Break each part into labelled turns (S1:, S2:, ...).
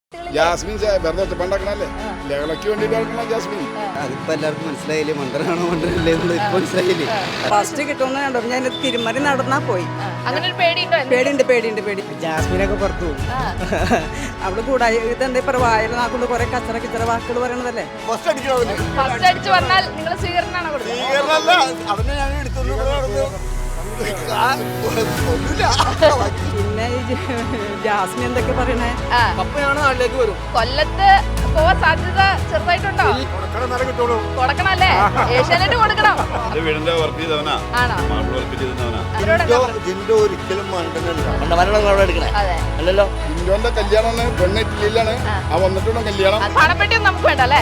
S1: Jasmine വെറുതെ ഒറ്റപ്പണ്ടാക്കണല്ലേ ലഹളയ്ക്ക് വേണ്ടിട്ട് നടക്കണം ജാസ്മിൻ.
S2: അതിപ്പോ എല്ലാവർക്കും മനസ്സിലായില്ലേ, മണ്ടനാണോ മണ്ടനല്ലേ ഇപ്പൊ മനസ്സിലായില്ലേ.
S3: ഫസ്റ്റ് കിട്ടുമെന്ന് കണ്ടു ഞാൻ തിരുമറി നടന്നാ പോയി.
S4: അങ്ങനെ ഒരു പേടിയുണ്ടോ?
S3: പേടിയുണ്ട്.
S2: ജാസ്മിനൊക്കെ പുറത്തു
S3: അവിടെ കൂടാ ഇതെന്താ ഇപ്പൊ വായന നാക്കൊണ്ട് കുറെ കിച്ചറ വാക്കുകൾ പറയണതല്ലേ.
S4: ഫസ്റ്റ് അടിച്ച് വന്നാൽ നിങ്ങൾ സ്വീകരണമാണോ കൊടുക്കുന്നത്?
S3: പിന്നെ ജാസ്മിൻ എന്തൊക്കെ പറയണേ,
S4: കൊല്ലത്ത് പോവാൻ സാധ്യത ചെറുതായിട്ടുണ്ടോ? കൊടുക്കണല്ലേ, ഏഷ്യാനെറ്റ് കൊടുക്കണം. ആണോ?
S1: ജിൻഡോന്റെ കല്യാണമാണ്, പെണ്ണിട്ടില്ലാണ് ആ വന്നിട്ടുണ്ടോ കല്യാണം.
S4: പണപ്പെട്ടിയും നമുക്ക് വേണ്ട അല്ലേ?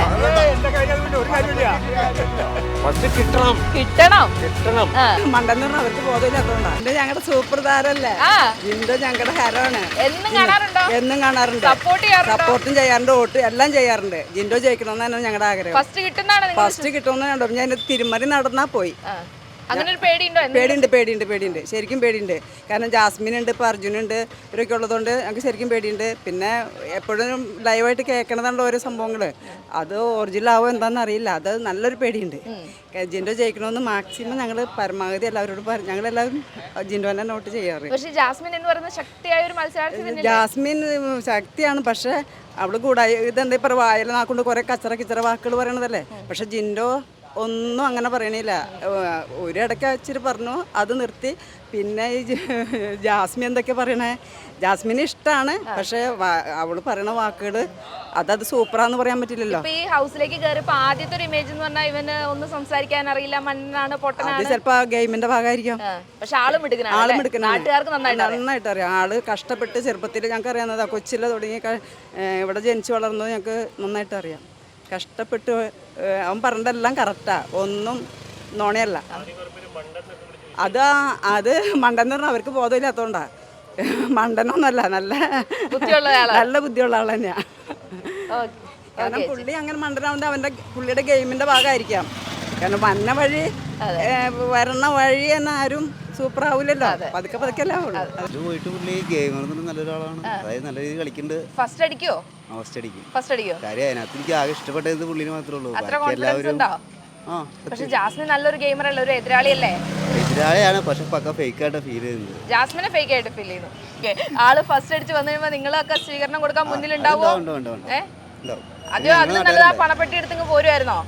S4: കിട്ടണം.
S3: മണ്ടെന്ന് പറഞ്ഞാൽ അവർക്ക് ബോധമില്ലാത്തതുകൊണ്ടാണ്. ജിൻഡോ ഞങ്ങളുടെ സൂപ്പർ താരല്ലേ, ജിൻഡോ ഞങ്ങളുടെ ഹരമാണ്. എന്നും കാണാറുണ്ട്, സപ്പോർട്ടും ചെയ്യാറുണ്ട്, വോട്ട് എല്ലാം ചെയ്യാറുണ്ട്. ജിൻഡോ ജയിക്കണമെന്നാണ് ഞങ്ങളുടെ ആഗ്രഹം. ഫസ്റ്റ് കിട്ടുമെന്ന് കണ്ടു ഞാൻ തിരുമറി നടന്നാ പോയി.
S4: അങ്ങനെ ഒരു പേടിയുണ്ടോ?
S3: പേടിയുണ്ട്, ശരിക്കും പേടിയുണ്ട്. കാരണം ജാസ്മിൻ ഉണ്ട്, ഇപ്പോൾ അർജുനുണ്ട്, ഇവരൊക്കെ ഉള്ളതുകൊണ്ട് ഞങ്ങൾക്ക് ശരിക്കും പേടിയുണ്ട്. പിന്നെ എപ്പോഴും ലൈവായിട്ട് കേൾക്കണതുണ്ട് ഓരോ സംഭവങ്ങൾ, അത് ഒറിജിനൽ ആവോ എന്താണെന്ന് അറിയില്ല. അത് നല്ലൊരു പേടിയുണ്ട്. ജിൻഡോ ജയിക്കണമെന്ന് മാക്സിമം ഞങ്ങൾ പരമാവധി എല്ലാവരോടും ഞങ്ങളെല്ലാവരും ജിൻഡോനെ നോട്ട് ചെയ്യാറ്.
S4: പക്ഷേ ജാസ്മിൻ എന്ന് പറയുന്ന ശക്തിയായ ഒരു മത്സരാർത്ഥി.
S3: ജാസ്മിൻ ശക്തിയാണ്, പക്ഷേ അവള് കൂടാ ഇതെന്താ ഇപ്പം വായന നാക്കൊണ്ട് കുറെ കിച്ചറ വാക്കുകൾ പറയണതല്ലേ. പക്ഷെ ജിൻഡോ ഒന്നും അങ്ങനെ പറയണില്ല. ഒരിടയ്ക്ക് ഇച്ചിരി പറഞ്ഞു, അത് നിർത്തി. പിന്നെ ഈ ജാസ്മിൻ എന്തൊക്കെ പറയണേ, ജാസ്മിന് ഇഷ്ടമാണ്, പക്ഷെ അവള് പറയണ വാക്കുകൾ അതത് സൂപ്പറാന്ന് പറയാൻ പറ്റില്ലല്ലോ.
S4: ഈ ഹൗസിലേക്ക് കയറിയപ്പോ ആദ്യത്തെ ഒരു ഇമേജ് എന്ന് പറഞ്ഞാൽ ഇവന് ഒന്നും സംസാരിക്കാൻ അറിയില്ല, മണ്ണാണ്, പൊട്ടനാണ്.
S3: അത് ചിലപ്പോ ഗെയിമിന്റെ ഭാഗമായിരിക്കാം.
S4: പക്ഷെ ആള് മിടുക്കനാണ്, നാട്ടുകാർക്ക്
S3: നന്നായിട്ട് അറിയാം. ആള് കഷ്ടപ്പെട്ട് ചെറുപ്പത്തിൽ ഞങ്ങൾക്ക് അറിയാവുന്നതാ, കൊച്ചിലെ തുടങ്ങി ഇവിടെ ജനിച്ചു വളർന്നത് ഞങ്ങൾക്ക് നന്നായിട്ട് അറിയാം. കഷ്ടപ്പെട്ട് അവൻ പറഞ്ഞതെല്ലാം കറക്റ്റാ, ഒന്നും നോണയല്ല. അത് മണ്ടെന്ന് പറഞ്ഞാൽ അവർക്ക് ബോധമില്ലാത്തോണ്ടാ. മണ്ടനൊന്നല്ല, നല്ല ബുദ്ധിയുള്ള ആൾ തന്നെയാ. കാരണം പുള്ളി അങ്ങനെ മണ്ടനാവുന്നത് പുള്ളിയുടെ ഗെയിമിന്റെ ഭാഗമായിരിക്കാം. കാരണം വരണ വഴി തന്നെ ആരും സൂപ്പർ ആവൂലല്ലോ, പതുക്കെ അല്ലേ ആവുള്ളൂ.
S2: പോയിട്ട് പുള്ളി ഗെയിമർ നല്ലൊരാളാണ്, അതായത് നല്ല രീതിയിൽ കളിക്കുന്നുണ്ട്.
S4: ഫസ്റ്റ് അടിക്കോ?
S2: കാര്യം അതിനകത്ത് എനിക്ക് ആകെ ഇഷ്ടപ്പെട്ടത് പുള്ളിന് മാത്രമേ ഉള്ളൂ.
S4: പക്ഷെ ജാസ്മിൻ നല്ലൊരു ഗെയിമർ അല്ലേ, ഒരു എതിരാളിയല്ലേ?
S2: എതിരാളിയാണ്, പക്ഷെ പക്ക ഫേക്ക് ആയിട്ട് ഫീൽ ചെയ്യുന്നത്.
S4: ജാസ്മിനെ ഫേക്ക് ആയിട്ട് ഫീൽ ചെയ്യുന്നു. ആള് ഫസ്റ്റ് അടിച്ച് വന്നു കഴിയുമ്പോ നിങ്ങളൊക്കെ സ്വീകരണം കൊടുക്കാൻ മുന്നിലുണ്ടാവോ? അതിലും നല്ലതാ പണപ്പെട്ടി എടുത്തെങ്കിൽ പോരുമായിരുന്നോ?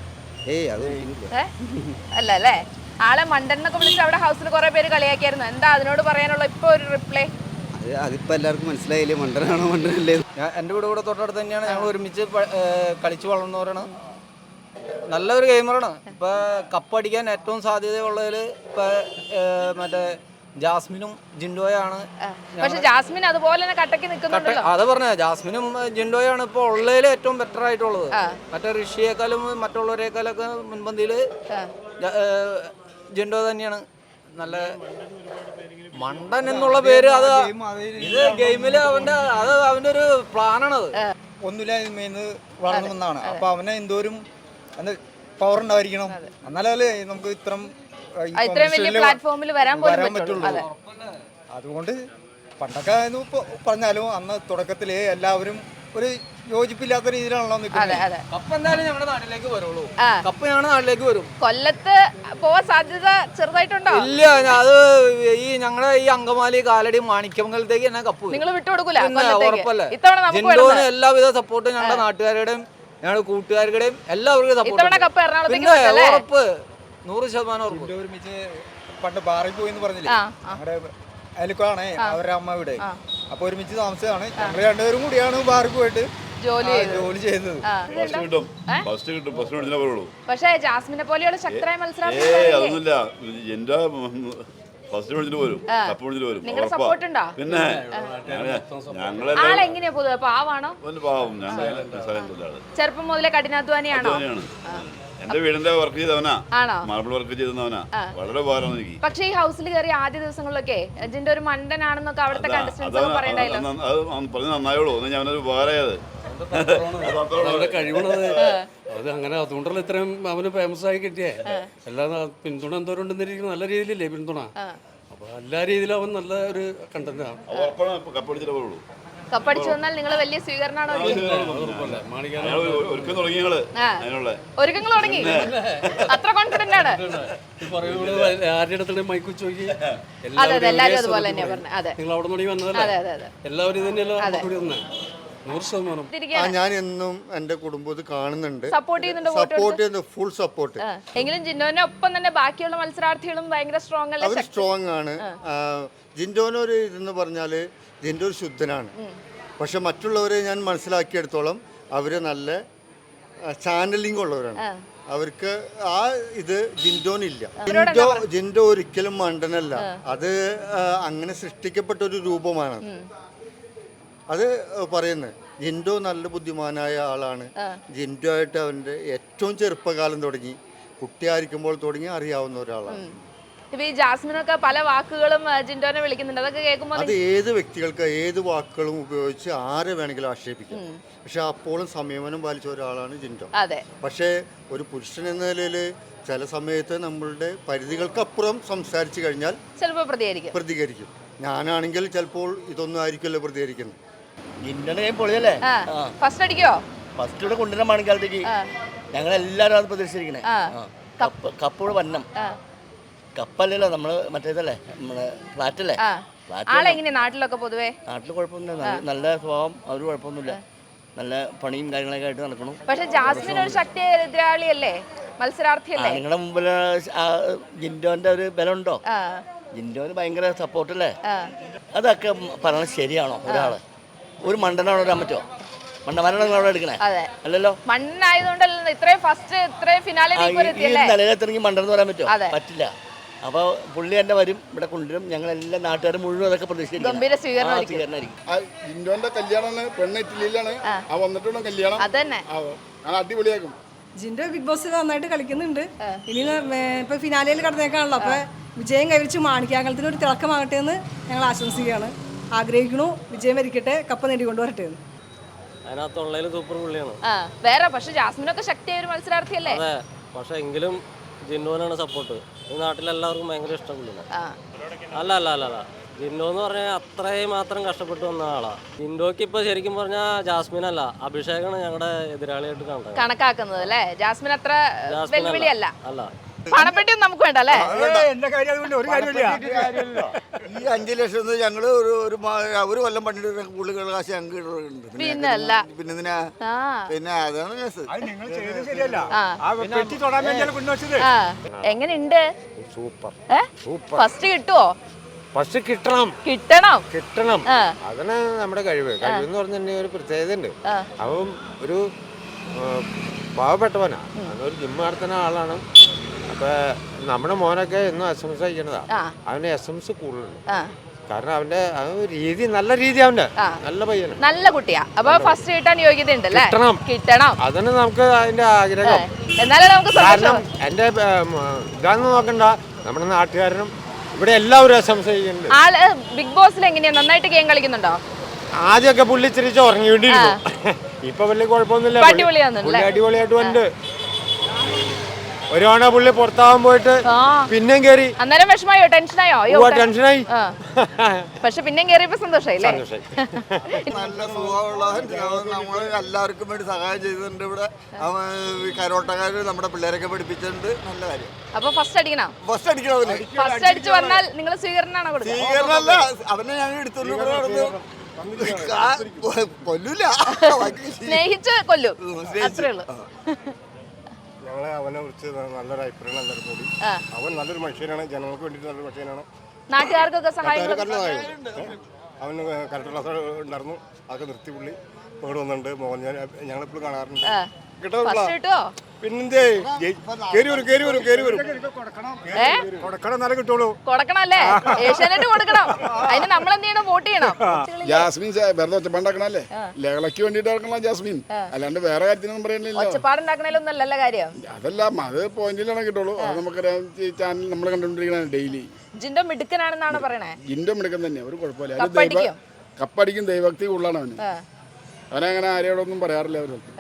S4: അല്ല അല്ലേ, ആളെ മണ്ടനൊക്കെ വിളിച്ച് അവിടെ ഹൗസിൽ കുറെ പേര് കളിയാക്കിയായിരുന്നു. എന്താ അതിനോട് പറയാനുള്ള ഇപ്പൊ ഒരു റിപ്ലൈ?
S2: അതിപ്പോ എല്ലാവർക്കും മനസ്സിലായില്ലേ, മണ്ടനാണോ മണ്ടനല്ലേ.
S5: എൻ്റെ വീട് തൊട്ടടുത്ത് തന്നെയാണ്, ഞങ്ങൾ ഒരുമിച്ച് കളിച്ച് വളർന്നവരാണ്. നല്ലൊരു ഗെയിമറാണ്. ഇപ്പൊ കപ്പടിക്കാൻ ഏറ്റവും സാധ്യതയുള്ളതിൽ ഇപ്പൊ മറ്റേ ജാസ്മിനും ജിൻഡോയാണ്.
S4: പക്ഷെ ജാസ്മിൻ അതുപോലെ തന്നെ കട്ടക്ക് നിൽക്കുന്നുണ്ടല്ലോ.
S5: അത് പറഞ്ഞ ജാസ്മിനും ജിൻഡോയാണ് ഇപ്പൊ ഉള്ളതിൽ ഏറ്റവും ബെറ്റർ ആയിട്ടുള്ളത്. മറ്റേ ഋഷിയേക്കാളും മറ്റുള്ളവരെക്കാളൊക്കെ മുൻപന്തിയില് ജിൻഡോ തന്നെയാണ്. നല്ല മണ്ടൻ എന്നുള്ള പേര് അത് ഇത് ഗെയിമില് അവന്റെ ഒരു പ്ലാനാണത്.
S6: ഒന്നുമില്ലായ്മന്ന് വളർന്നു വന്നതാണ്. അപ്പൊ അവനെ എന്തോരും പവർ ഉണ്ടായിരിക്കണം, എന്നാലേ നമുക്ക് ഇത്രയും
S4: വലിയ പ്ലാറ്റ്ഫോമിൽ വരാൻ
S6: പറ്റുള്ളൂ. അതുകൊണ്ട് പണ്ടൊക്കെ പറഞ്ഞാലും അന്ന് തുടക്കത്തില് എല്ലാവരും ഒരു യോജിപ്പില്ലാത്ത രീതിയിലാണല്ലോ നിൽക്കുന്നത്.
S5: കപ്പ് എന്തായാലും ഞങ്ങളുടെ നാട്ടിലേക്ക് വരുള്ളൂ. കപ്പ് ഞങ്ങളുടെ നാട്ടിലേക്ക് വരും.
S4: കൊല്ലത്ത് പോവാൻ സാധ്യത ചെറുതായിട്ടുണ്ടോ?
S5: ഇല്ല, അത് ഈ ഞങ്ങളുടെ ഈ അങ്കമാലി, കാലടി, മാണിക്യമംഗലത്തേക്ക് തന്നെ കപ്പ്
S4: നിങ്ങൾ വിട്ടുകൊടുക്കൂല?
S5: ഉറപ്പല്ലേ. ജിൻഡോന് എല്ലാവിധ സപ്പോർട്ടും ഞങ്ങളുടെ നാട്ടുകാരുടെയും ഞങ്ങളുടെ കൂട്ടുകാരുടെയും എല്ലാവർക്കും സപ്പോർട്ട്. പിന്നെ ഉറപ്പ് 100% ഉറപ്പ്.
S6: ഒരുമിച്ച് പണ്ട് ബാറിൽ പോയി എന്ന് പറഞ്ഞില്ലേ, ഞങ്ങളുടെ അയൽക്കാണ് അവരുടെ അമ്മ വീട്. അപ്പൊ ഒരുമിച്ച് താമസമാണ്. ഞങ്ങൾ രണ്ടുപേരും കൂടിയാണ് ബാറിൽ പോയിട്ട് ജോലി ചെയ്തത്.
S4: പക്ഷേ ജാസ്മിനെ പോലെയുള്ള ശക്തരായ മത്സരാർത്ഥി നിങ്ങളുടെ സപ്പോർട്ട് ഉണ്ടോ?
S1: പിന്നെ
S4: ആളെങ്ങനെയാ പൊതുവെ, പാവാണോ? ചെറുപ്പം മുതലേ കഠിനാധ്വാനിയാണോ?
S1: എന്റെ വീടിന്റെ വർക്ക് ചെയ്തവനാ, മാർബിൾ വർക്ക് ചെയ്തവനാ, വളരെ ഉപകാരം എനിക്ക്.
S4: പക്ഷേ ഈ ഹൗസിൽ കയറി ആദ്യ ദിവസങ്ങളിലൊക്കെ ജിന്റെ ഒരു മണ്ടനാണെന്നൊക്കെ അവിടുത്തെ കണ്ടസ്റ്റൻസ് പറയണ്ടായല്ലോ.
S1: പറഞ്ഞ് നന്നായോളൂ, ഞാനൊരു ഉപകാരമായത്
S7: കഴിവണത് അത് അങ്ങനെ. അതുകൊണ്ടല്ല ഇത്രയും അവന് ഫേമസ് ആയി കിട്ടിയേ. എല്ലാ പിന്തുണ എന്തോരം ഉണ്ടെന്നിരിക്കും, നല്ല രീതിയിലല്ലേ പിന്തുണ. അപ്പൊ എല്ലാ രീതിയിലും അവൻ നല്ല ഒരു കണ്ടന്റാണ്.
S4: കപ്പടിച്ചു വന്നാൽ നിങ്ങൾ വലിയ സ്വീകരണമാണോ
S1: അയാൾ ഒരുക്കം തുടങ്ങി ഞങ്ങള് അതിനുള്ള
S4: ഒരുക്കങ്ങൾ തുടങ്ങി അത്ര കോൺഫിഡന്റ് ആണ്.
S7: ആരുടെ അടുത്തും മൈക്ക് ചോദിക്കി
S4: അതെ അതെ എല്ലാവരും അതുപോലെ തന്നെയാ പറഞ്ഞത്. അതെ
S7: നിങ്ങൾ അവിടെ നിന്ന്
S4: അതെ
S7: വന്നതല്ലേ,
S4: അതെ അതെ
S7: എല്ലാവരും തന്നെയല്ലോ കൂടി വന്നേ 100%.
S8: ഞാൻ എന്നും എന്റെ കുടുംബം ഇത് കാണുന്നുണ്ട്,
S4: സപ്പോർട്ട് ചെയ്യുന്നുണ്ട്,
S8: സപ്പോർട്ട് ചെയ്യുന്നു, ഫുൾ സപ്പോർട്ട്.
S4: എങ്കിലും ജിൻഡോനെ ഒപ്പം തന്നെ ബാക്കിയുള്ള മത്സരാർത്ഥികളും ഭയങ്കര സ്ട്രോങ് അല്ലേ?
S8: അവർ സ്ട്രോങ് ആണ്. ജിൻഡോനൊരു ഇതെന്ന് പറഞ്ഞാല് ജിൻഡോ ഒരു ശുദ്ധനാണ്. പക്ഷെ മറ്റുള്ളവരെ ഞാൻ മനസ്സിലാക്കിയെടുത്തോളം അവര് നല്ല ചാനലിംഗ് ഉള്ളവരാണ്. അവർക്ക് ആ ഇത് ജിൻഡോനില്ല. ജിൻഡോ ഒരിക്കലും മണ്ടനല്ല. അത് അങ്ങനെ സൃഷ്ടിക്കപ്പെട്ട ഒരു രൂപമാണ്. അത് പറയുന്നത് ജിൻഡോ നല്ല ബുദ്ധിമാനായ ആളാണ്. ജിൻഡോ ആയിട്ട് അവൻ്റെ ഏറ്റവും ചെറുപ്പകാലം തുടങ്ങി, കുട്ടിയായിരിക്കുമ്പോൾ തുടങ്ങി അറിയാവുന്ന ഒരാളാണ്.
S4: ഇപ്പൊ ഈ ജാസ്മിനൊക്കെ പല വാക്കുകളും ജിൻഡോനെ വിളിക്കുന്നുണ്ട്, അതൊക്കെ കേൾക്കുമ്പോൾ
S8: അത് ഏത് വ്യക്തികൾക്ക് ഏത് വാക്കുകളും ഉപയോഗിച്ച് ആരെ വേണമെങ്കിലും ആക്ഷേപിക്കാം. പക്ഷെ അപ്പോഴും സംയമനം പാലിച്ച ഒരാളാണ് ജിൻഡോ.
S4: അതെ.
S8: പക്ഷേ ഒരു പുരുഷൻ എന്ന നിലയിൽ ചില സമയത്ത് നമ്മളുടെ പരിധികൾക്കപ്പുറം സംസാരിച്ചു കഴിഞ്ഞാൽ
S4: ചിലപ്പോൾ പ്രതികരിക്കും.
S8: ഞാനാണെങ്കിൽ ചിലപ്പോൾ ഇതൊന്നും ആയിരിക്കുമല്ലോ പ്രതികരിക്കുന്നത്.
S2: ജിൻഡോന്റെ കൈ പൊളിയല്ലേ?
S4: ഫസ്റ്റ് അടിക്കോ?
S2: ഫസ്റ്റ് ഇവിടെ കൊണ്ടുവരാൻ മണിക്കാലത്തേക്ക് ഞങ്ങൾ എല്ലാവരും അത് പ്രതീക്ഷിച്ചിരിക്കണേ. കപ്പോട് വന്നം. കപ്പല്ലല്ലോ നമ്മള് മറ്റേതല്ലേ, നമ്മളെ ഫ്ലാറ്റല്ലേ.
S4: ആളെങ്ങനെയാ നാട്ടിലൊക്കെ പൊതുവേ?
S2: നാട്ടിൽ കുഴപ്പമൊന്നുമില്ല, നല്ല സ്വഭാവം, അവർ കുഴപ്പമൊന്നുമില്ല, നല്ല പണിയും കാര്യങ്ങളൊക്കെ ആയിട്ട് നടക്കണം.
S4: പക്ഷെ ജാസ്മിൻ ഒരു ശക്തി എതിരാളിയല്ലേ, മത്സരാർത്ഥിയല്ലേ?
S2: നിങ്ങളുടെ മുമ്പിൽ ജിൻഡോന്റെ ഒരു ബലമുണ്ടോ? ജിൻഡോന് ഭയങ്കര സപ്പോർട്ടല്ലേ. അതൊക്കെ പറയണത് ശരിയാണോ? ഒരാള് ഒരു മണ്ടനാണോ വരാൻ പറ്റുമോ? മണ്ടന്മാരാണ് നിങ്ങൾ അവിടെ എടുക്കണേ, അല്ലല്ലോ.
S4: മണ്ണായതുകൊണ്ടല്ലോ ഇത്രയും ഫസ്റ്റ് ഇത്രയും ഫിനാലെ
S2: നിലയിലെത്തിറങ്ങി മണ്ടെന്ന് പറയാൻ പറ്റുമോ? പറ്റില്ല. അപ്പോൾ പുള്ളി തന്നെ വരും, ഇവിടെ കൊണ്ടുവരും. ഞങ്ങളെല്ലാം നാട്ടുകാർ മുഴുവൻ അതൊക്കെ പ്രതീക്ഷിക്കും.
S9: ജിൻഡോന്റെ കല്യാണം പെണ്ണ് ഇറ്റലിയിലാണ്, ആ വന്നിട്ടുള്ള കല്യാണം അടിപൊളിയാക്കും.
S10: ജിൻഡോ ബിഗ് ബോസ് നന്നായിട്ട് കളിക്കുന്നുണ്ട്. ഇനി ഇപ്പൊ ഫിനാലയിൽ കടന്നേക്കാണല്ലോ, അപ്പൊ വിജയം കൈവരിച്ച് മാണിക്യാങ്കലത്തിന് ഒരു തിളക്കമാകട്ടെ എന്ന് ഞങ്ങൾ ആശംസിക്കുകയാണ്, ആഗ്രഹിക്കണു. വിജയം വരിക്കട്ടെ, കപ്പ് നേടിക്കൊണ്ടുവരട്ടെ എന്ന്.
S11: അതിനകത്തുള്ളതിൽ സൂപ്പർ പുള്ളിയാണ്.
S4: വേറെ പക്ഷെ ജാസ്മിനൊക്കെ ശക്തിയായ ഒരു മത്സരാർത്ഥിയല്ലേ?
S11: അതെ, പക്ഷെ എങ്കിലും ജിന്നോനാണ് സപ്പോർട്ട്. ഈ നാട്ടിലെല്ലാവർക്കും ഭയങ്കര ഇഷ്ടം പുള്ളിയാണ്. അല്ല അല്ല അല്ല അല്ല ജിൻഡോ എന്ന് പറഞ്ഞാൽ അത്രയും മാത്രം കഷ്ടപ്പെട്ട് വന്ന ആളാ. ജിൻഡോക്ക് ഇപ്പൊ ശരിക്കും പറഞ്ഞാൽ ജാസ്മിൻ അല്ല, അഭിഷേകാണ് ഞങ്ങളുടെ എതിരാളിയായിട്ട്
S4: കണക്കാക്കുന്നത് അല്ലേ? ജാസ്മിൻ അത്ര വെല്ലുവിളിയല്ല.
S11: അല്ല,
S4: പണപ്പെട്ടിയും നമുക്ക് വേണ്ട അല്ലേ?
S8: ഈ 5 ലക്ഷം ഞങ്ങള് ഒരു കൊല്ലം പണ്ടിട്ട് പുള്ളികളുടെ കാശ് ഞങ്ങൾക്ക്
S4: പിന്നല്ല
S8: പിന്നെ അതാണ്
S4: എങ്ങനെയുണ്ട്?
S7: സൂപ്പർ.
S4: ഫസ്റ്റ് കിട്ടുവോ?
S7: ഫസ്റ്റ് കിട്ടണം. അതാണ് നമ്മുടെ കഴിവ്. കഴിവെന്ന് പറഞ്ഞിട്ടുണ്ടെങ്കിൽ ഒരു പ്രത്യേകത ഉണ്ട്. അവൻ ഒരു പാവപ്പെട്ടവനാ, ഒരു ജിമ്മ് നടത്തുന്ന ആളാണ്. അപ്പൊ നമ്മുടെ മോനൊക്കെ എന്നും SMS അയക്കണതാ. അവന് SMS കൂടുതലുണ്ട്. കാരണം അവന്റെ രീതി നല്ല രീതി, അവന്റെ നല്ല പയ്യന്,
S4: നല്ല കുട്ടിയാ. അപ്പൊ ഫസ്റ്റ് കിട്ടാൻ യോഗ്യത ഉണ്ടല്ലേ? കിട്ടണം.
S7: അതിന് നമുക്ക് അതിന്റെ ആഗ്രഹം.
S4: എന്നാലും നമുക്ക്
S7: കാരണം എന്റെ ഇതാന്ന് നോക്കണ്ട, നമ്മുടെ നാട്ടുകാരനും ഇവിടെ എല്ലാവരും SMS അയക്കുന്നുണ്ട്.
S4: ആള് ബിഗ് ബോസിൽ എങ്ങനെയാ, നന്നായിട്ട് ഗെയിം കളിക്കുന്നുണ്ടോ?
S7: ആദ്യമൊക്കെ പുള്ളി ഇച്ചിരിച്ച് ഉറങ്ങിക്കൊണ്ടിരുന്നു. ഇപ്പൊ വലിയ കുഴപ്പമൊന്നുമില്ല, പുള്ളി അടിപൊളിയായിട്ട് ഉണ്ട്. ഒരു തവണ പുള്ളി പുറത്താവാൻ പോയിട്ട് പിന്നെയും കയറി.
S4: അന്നേരം വിഷമായോ? ടെൻഷനായോ?
S7: ടെൻഷനായി.
S4: പക്ഷെ പിന്നെയും കയറിയപ്പോ സന്തോഷായില്ലേ?
S8: നല്ല സ്വഭാവമുള്ള നമ്മൾ എല്ലാവർക്കും വേണ്ടി സഹായം ചെയ്തിട്ടുണ്ട്. ഇവിടെ കരോട്ടക്കാര് നമ്മുടെ പിള്ളേരൊക്കെ പഠിപ്പിച്ചിട്ടുണ്ട്. നല്ല കാര്യം.
S4: അപ്പൊ ഫസ്റ്റ് അടിക്കണം.
S8: ഫസ്റ്റ് അടിക്കണം.
S4: ഫസ്റ്റ് അടിച്ച് വന്നാൽ നിങ്ങൾ സ്വീകരണമാണോ കൊടുക്കുക?
S8: സ്വീകരണമല്ല, അവനെ ഞങ്ങൾ എടുത്തോണ്ട് കൊല്ലൂല,
S4: സ്നേഹിച്ച് കൊല്ലു, അത്രേ ഉള്ളൂ.
S9: ഞങ്ങളെ അവനെ കുറിച്ച് നല്ലൊരു അഭിപ്രായം എല്ലാവരും കൂടി. അവൻ നല്ലൊരു മനുഷ്യനാണ്, ജനങ്ങൾക്ക് വേണ്ടിയിട്ട് നല്ലൊരു മനുഷ്യനാണ്.
S4: നാട്ടുകാർക്കൊക്കെ സഹായം.
S9: അവന് കറക്റ്റ് ക്ലാസ് ഉണ്ടായിരുന്നു, അതൊക്കെ നിർത്തി പുള്ളി ഇവിടെ വന്നിട്ടുണ്ട്. മോഹൻ ഞങ്ങളെപ്പോഴും കാണാറുണ്ട്.
S4: കിട്ടോ?
S9: പിന്നെന്തേ കേറി വരും കൊടുക്കണം, നല്ല കിട്ടുള്ളൂ.
S4: കൊടുക്കണല്ലേ? ഏഷ്യാനെറ്റ് കൊടുക്കണം. അതിന് നമ്മൾ എന്ത് ചെയ്യണം? വോട്ട് ചെയ്യണം.
S9: ജാസ്മിൻ വെറുതെ ഒച്ചപ്പാടുണ്ടാക്കണല്ലേ, ലഹളയ്ക്ക് വേണ്ടിട്ട് ഇറക്കണം ജാസ്മിൻ, അല്ലാണ്ട് വേറെ കാര്യത്തിനൊന്നും പറയുന്നില്ല.
S4: ഒച്ചപ്പാടുണ്ടാക്കണേലൊന്നും അല്ലല്ലോ കാര്യം.
S9: അതല്ല, അത് പോയിന്റിലാണ് കിട്ടുള്ളൂ. അത് നമുക്കറിയാം, ഈ ചാനൽ നമ്മൾ കണ്ടുകൊണ്ടിരിക്കണ ഡെയിലി.
S4: ജിൻഡോ മിടുക്കനാണെന്നാണ് പറയണേ.
S9: ജിൻഡോ മിടുക്കൻ തന്നെ, ഒരു കുഴപ്പമില്ല. കപ്പടിക്കും, ദൈവഭക്തി കൂടുതലാണ് അവന്. അവനങ്ങനെ ആരോടൊന്നും പറയാറില്ല. അവർക്ക്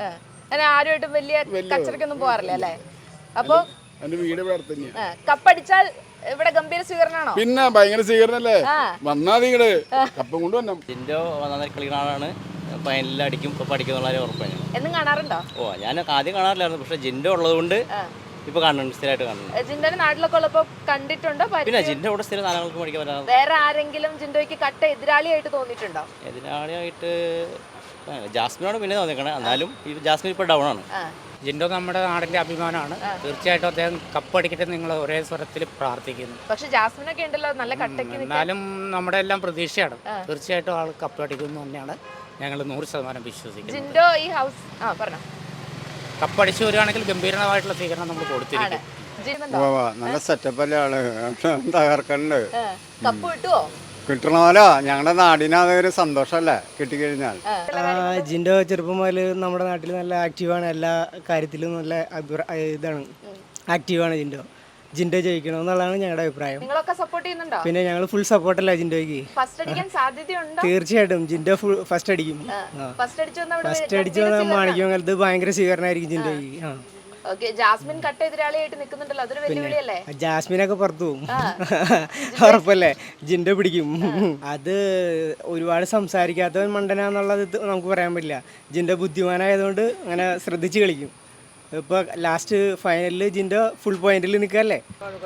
S4: ആരുമായിട്ടും വലിയ കച്ചറക്കൊന്നും പോകാറില്ല അല്ലേ? അപ്പൊ
S9: എന്റെ വീട് ഇവിടെ അടുത്ത് തന്നെയാണ്.
S4: കപ്പടിച്ചാൽ ഇവിടെ ഗംഭീര സ്വീകരണമാണോ?
S1: പിന്നെ ഭയങ്കര സ്വീകരണല്ലേ, വന്നാ നിങ്ങള് കപ്പം കൊണ്ട് വന്നു.
S2: ജിൻഡോ നന്നായി കളിക്കുന്ന ആളാണ്, ഫൈനലിൽ അടിക്കും കപ്പ് അടിക്കുന്ന ഉറപ്പാണ്.
S4: എന്നും കാണാറുണ്ടോ?
S2: ഓ ഞാൻ ആദ്യം കാണാറില്ലായിരുന്നു, പക്ഷെ ജിൻഡോ ഉള്ളതുകൊണ്ട് ഇപ്പൊ കാണുന്നുണ്ട്, സ്ഥിരമായിട്ട് കാണുന്നുണ്ട്.
S4: ജിൻഡോനെ നാട്ടിലൊക്കെ ഉള്ളപ്പോ കണ്ടിട്ടുണ്ടോ?
S2: പിന്നെ ജിൻഡോ കൂടെ സ്ഥിരം നാളുകൾക്ക് പഠിക്കാൻ വരാറ്.
S4: വേറെ ആരെങ്കിലും ജിൻഡോയ്ക്ക് കട്ട എതിരാളിയായിട്ട് തോന്നിയിട്ടുണ്ടോ?
S2: എതിരാളിയായിട്ട് ജാസ്മിനോട് പിന്നെ തോന്നിക്കണേ, എന്നാലും ഈ ജാസ്മിൻ ഇപ്പോൾ ഡൗൺ ആണ്.
S12: ജിൻഡോ നമ്മുടെ നാടിന്റെ അഭിമാനമാണ്. തീർച്ചയായിട്ടും അദ്ദേഹം കപ്പടിക്കട്ടെ നിങ്ങൾ ഒരേ സ്വരത്തിൽ പ്രാർത്ഥിക്കുന്നു.
S4: പക്ഷെ ജാസ്മിനൊക്കെ ഉണ്ടല്ലോ നല്ല കട്ടയ്ക്ക്.
S12: എന്നാലും നമ്മുടെ എല്ലാം പ്രതീക്ഷയാണ്, തീർച്ചയായിട്ടും ആൾ കപ്പടിക്കുന്നു തന്നെയാണ് ഞങ്ങൾ 100% വിശ്വസിക്കുന്നത്.
S4: ജിൻഡോ ഈ ഹൗസ് പറഞ്ഞോ
S12: കപ്പടിച്ചു വരികയാണെങ്കിൽ ഗംഭീരമായിട്ടുള്ള സ്വീകരണം നമ്മൾ കൊടുത്തിരിക്കും.
S8: നല്ല സെറ്റപ്പ് അല്ലേ ആള്, തകർക്കണ്ട്.
S4: കപ്പ് കിട്ടുവോ?
S8: കിട്ടണമല്ലോ, ഞങ്ങളുടെ നാടിന് അതൊരു സന്തോഷമല്ലേ കിട്ടിക്കഴിഞ്ഞാൽ.
S5: ജിൻഡോ ചെറുപ്പം മുതൽ നമ്മുടെ നാട്ടിൽ നല്ല ആക്റ്റീവാണ്, എല്ലാ കാര്യത്തിലും നല്ല ഇതാണ്, ആക്റ്റീവാണ് ജിൻഡോ. ജിൻഡോ ജയിക്കണമെന്നുള്ളതാണ് ഞങ്ങളുടെ അഭിപ്രായം.
S4: നിങ്ങളൊക്കെ സപ്പോർട്ട് ചെയ്യുന്നുണ്ടോ?
S5: പിന്നെ ഞങ്ങൾ ഫുൾ സപ്പോർട്ടല്ല ജിൻഡോയ്ക്ക്.
S4: ഫസ്റ്റ് അടിക്കാൻ സാധ്യതയുണ്ടോ?
S5: തീർച്ചയായിട്ടും ജിൻഡോ ഫസ്റ്റ് അടിക്കും.
S4: ഫസ്റ്റ്
S5: അടിച്ചു വന്നാൽ മാണിക്യമംഗലത്ത് ഭയങ്കര സ്വീകരണമായിരിക്കും ജിൻഡോയ്ക്ക്.
S4: ജാസ്മിൻ കട്ട എതിരാളിയായിട്ട് നിൽക്കുന്നുണ്ടല്ലോ, അതൊരു വെല്ലുവിളിയല്ലേ?
S5: ജാസ്മിനൊക്കെ പുറത്തു പോകും, ഉറപ്പല്ലേ. ജിൻഡോ പിടിക്കും. അത് ഒരുപാട് സംസാരിക്കാത്തവൻ മണ്ടനാന്നുള്ളത് നമുക്ക് പറയാൻ പറ്റില്ല. ജിൻഡോ ബുദ്ധിമാനായതുകൊണ്ട് അങ്ങനെ ശ്രദ്ധിച്ച് കളിക്കും. ഇപ്പോൾ ലാസ്റ്റ് ഫൈനലിൽ ജിൻഡോ ഫുൾ പോയിന്റിൽ നിൽക്കല്ലേ.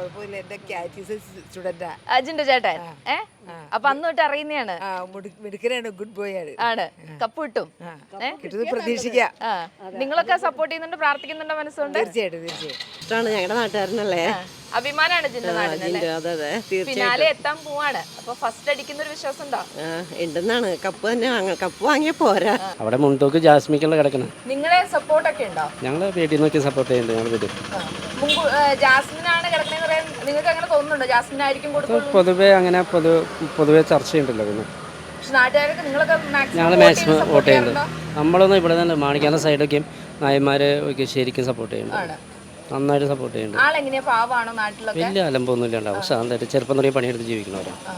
S4: ജിൻഡോ ചേട്ടൻ അപ്പൊ അന്ന് തൊട്ട് അറിയുന്നതാണ്.
S10: ഗുഡ് ബോയ് ആണ്.
S4: ആണ്, കപ്പ് കിട്ടും
S10: പ്രതീക്ഷിക്കാം.
S4: നിങ്ങളൊക്കെ സപ്പോർട്ട് ചെയ്യുന്നുണ്ട്, പ്രാർത്ഥിക്കുന്നുണ്ടോ മനസ്സുകൊണ്ട്?
S10: തീർച്ചയായിട്ടും
S13: ഇഷ്ടമാണ്, ഞങ്ങളുടെ നാട്ടുകാരനല്ലേ.
S4: അഭിമാനാണ് ജിൻഡോ നാടിനല്ലേ.
S13: അതെ
S4: ഫിനാലെ എത്താൻ പോവാണ്, അപ്പൊ ഫസ്റ്റ് അടിക്കുന്ന ഒരു വിശ്വാസം ഉണ്ടോ?
S13: ഉണ്ടെന്നാണ്. കപ്പ് തന്നെ കപ്പ് വാങ്ങിയ പോരാ.
S11: അവിടെ മുൻതൂക്ക് ജാസ്മിക്കുള്ള കിടക്കണം.
S4: നിങ്ങളെ സപ്പോർട്ട് ഒക്കെ ഉണ്ടോ?
S11: ഞങ്ങൾ വീട്ടിൽ നോക്കി സപ്പോർട്ട് ചെയ്യുന്നുണ്ട്. ഞങ്ങൾ വീട്ടിൽ
S4: ജാസ്മിനാണ് കിടക്കണെന്ന് പറയാൻ നിങ്ങൾക്ക് അങ്ങനെ തോന്നുന്നുണ്ടോ? ജാസ്മിനായിരിക്കും കൊടുക്കുള്ളൂ.
S11: പൊതുവെ അങ്ങനെ പൊതുവെ ചർച്ചയുണ്ടല്ലോ. പിന്നെ
S4: പക്ഷെ നാട്ടുകാരൊക്കെ നിങ്ങളൊക്കെ
S11: ഞങ്ങൾ മാക്സിമം വോട്ട് ചെയ്യുന്നുണ്ട്. നമ്മളൊന്നും ഇവിടെ തന്നെ മാണിക്കാന സൈഡൊക്കെയും നായന്മാരെ ഒക്കെ ശരിക്കും സപ്പോർട്ട് ചെയ്യുന്നുണ്ട്, നന്നായിട്ട് സപ്പോർട്ട് ചെയ്യുന്നുണ്ട്.
S4: ആളെങ്ങനെയാ, പാവാണോ നാട്ടിലൊക്കെ?
S11: വലിയ അലമ്പൊന്നും ഇല്ലാണ്ടാവും, ശാന്തമായിട്ട് ചെറുപ്പം തുടങ്ങി പണിയെടുത്ത് ജീവിക്കുന്നവരാണ്.